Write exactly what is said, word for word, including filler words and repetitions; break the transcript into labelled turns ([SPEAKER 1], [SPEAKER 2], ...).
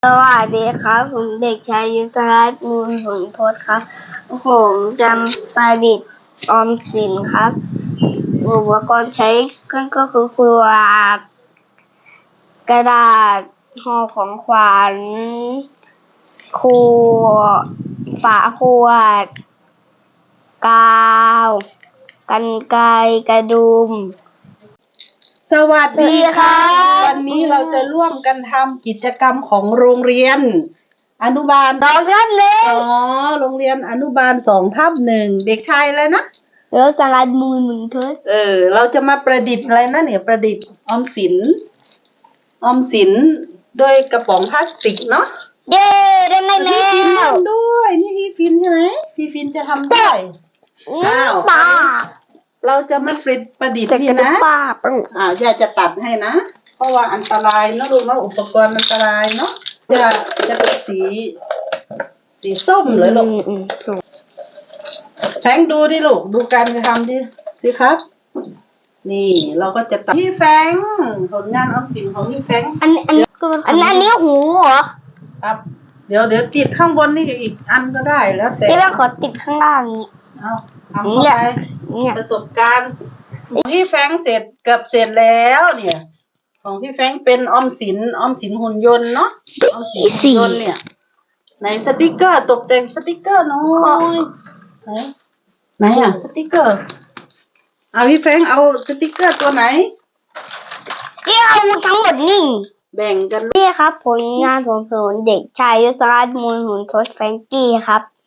[SPEAKER 1] สวัสดีครับผมเด็กชายยุทธรัตน์มูลผลทศครับผมจำประดิษฐ์ออมสินครับอุปกรณ์ใช้ก็คือขวดกระดาษห่อของขวัญขวดฝาขวดกาวกรรไกรกระดุม
[SPEAKER 2] สวัสดีค่ะวันนี้เราจะร่วมกันทำกิจกรรมของโรงเรียนอนุบาล
[SPEAKER 1] สองทับหนึ่ง
[SPEAKER 2] อ๋อโรงเรียนอนุบาลสองทับหนึ่งเด็กชายอะไรนะ
[SPEAKER 1] แล้วสลัดมูลหมุนเทิด
[SPEAKER 2] เออเราจะมาประดิษฐ์อะไรนะเนี่ยประดิษฐ์ออมสินออมสินโดยกระป๋องพลาสติกเนาะ
[SPEAKER 1] เย้ได้ไหมแม
[SPEAKER 2] พี่ฟิน
[SPEAKER 1] ว
[SPEAKER 2] ทำด้วยนี่พี่ฟินใช่ไหมพี่ฟินจะทำด้วยอ้าว
[SPEAKER 1] ป้า
[SPEAKER 2] เราจะมาประดิษฐ์
[SPEAKER 1] จะ
[SPEAKER 2] นี่
[SPEAKER 1] กระดูก
[SPEAKER 2] นะ
[SPEAKER 1] ป้าปึ้ง
[SPEAKER 2] อ่าย่าจะตัดให้นะเพราะว่าอันตรายนะลูกเนาะอุปกรณ์อันตรายเนาะย่าจะเป็นสีสีส้มเลยลูกแฟงดูดิลูกดูการทำดิสิครับนี่เราก็จะตัดพี่แฟงผลงานเอาสินของพี่แฟง
[SPEAKER 1] อันอันอันอันนี้หูเหรอ
[SPEAKER 2] ครับเดี๋ยวเดี๋ยวติดข้างบนนี่อีกอันก็ได้แล้วแต่
[SPEAKER 1] พี่แม่ขอติดข้างล่างนี้
[SPEAKER 2] เอาเอาเข้าไป
[SPEAKER 1] เนี่ย
[SPEAKER 2] ประสบการณ์ของพี่แฟงเสร็จเกือบเสร็จแล้วเนี่ย ของพี่แฟงเป็นออมสินออมสินหุ่นยนต์เนาะออมสินหุ่นยนต์เนี่ยไหนสติกเกอร์ตกแต่งสติกเกอร์น้อยไหนไหนอ่ะสติกเกอร์เอาพี่แฟงเอาสติกเกอร์ตัวไหน
[SPEAKER 1] พี่เอาทั้งหมดนี่
[SPEAKER 2] แบ่งกัน
[SPEAKER 1] พี่ครับผลงานของผมเด็กชายยศรัตน์มูลหุนทศแฟรงกี้ครับ